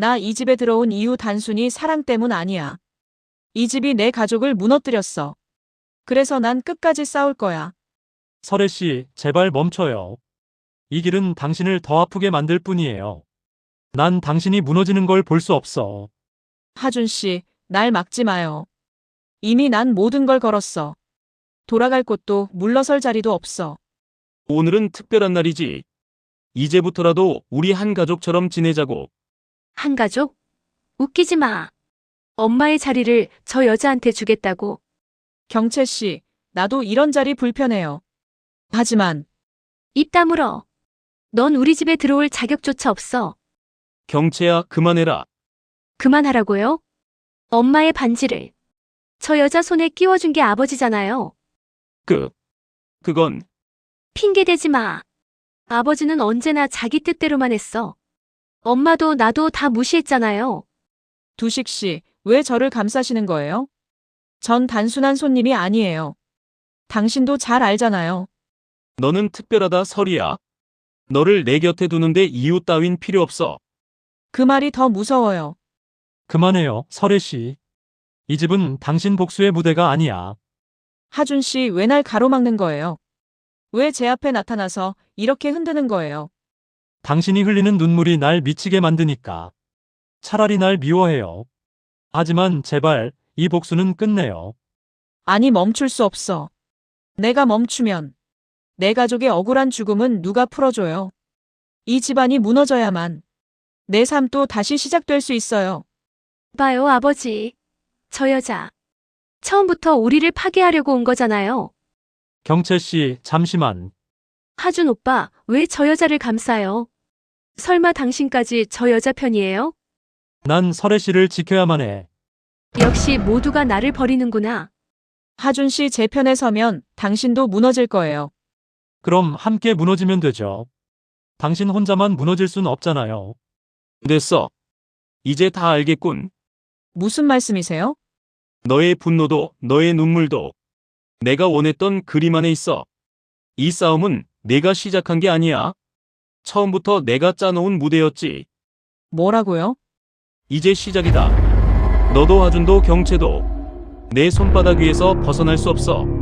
나 이 집에 들어온 이유 단순히 사랑 때문 아니야. 이 집이 내 가족을 무너뜨렸어. 그래서 난 끝까지 싸울 거야. 설혜 씨, 제발 멈춰요. 이 길은 당신을 더 아프게 만들 뿐이에요. 난 당신이 무너지는 걸 볼 수 없어. 하준 씨, 날 막지 마요. 이미 난 모든 걸 걸었어. 돌아갈 곳도 물러설 자리도 없어. 오늘은 특별한 날이지. 이제부터라도 우리 한 가족처럼 지내자고. 한 가족? 웃기지 마. 엄마의 자리를 저 여자한테 주겠다고. 경채 씨, 나도 이런 자리 불편해요. 하지만 입 다물어. 넌 우리 집에 들어올 자격조차 없어. 경채야, 그만해라. 그만하라고요? 엄마의 반지를 저 여자 손에 끼워준 게 아버지잖아요. 그건 핑계대지 마. 아버지는 언제나 자기 뜻대로만 했어. 엄마도 나도 다 무시했잖아요. 두식 씨, 왜 저를 감싸시는 거예요? 전 단순한 손님이 아니에요. 당신도 잘 알잖아요. 너는 특별하다, 설이야. 너를 내 곁에 두는데 이유 따윈 필요 없어. 그 말이 더 무서워요. 그만해요, 설혜 씨. 이 집은 당신 복수의 무대가 아니야. 하준 씨, 왜 날 가로막는 거예요? 왜 제 앞에 나타나서 이렇게 흔드는 거예요? 당신이 흘리는 눈물이 날 미치게 만드니까. 차라리 날 미워해요. 하지만 제발 이 복수는 끝내요. 아니, 멈출 수 없어. 내가 멈추면 내 가족의 억울한 죽음은 누가 풀어줘요? 이 집안이 무너져야만 내 삶도 다시 시작될 수 있어요. 봐요, 아버지. 저 여자. 처음부터 우리를 파괴하려고 온 거잖아요. 경채 씨, 잠시만. 하준 오빠, 왜 저 여자를 감싸요? 설마 당신까지 저 여자 편이에요? 난 설혜 씨를 지켜야만 해. 역시 모두가 나를 버리는구나. 하준 씨, 제 편에 서면 당신도 무너질 거예요. 그럼 함께 무너지면 되죠. 당신 혼자만 무너질 순 없잖아요. 됐어. 이제 다 알겠군. 무슨 말씀이세요? 너의 분노도, 너의 눈물도 내가 원했던 그림 안에 있어. 이 싸움은 내가 시작한 게 아니야. 처음부터 내가 짜놓은 무대였지. 뭐라고요? 이제 시작이다. 너도 하준도 경채도 내 손바닥 위에서 벗어날 수 없어.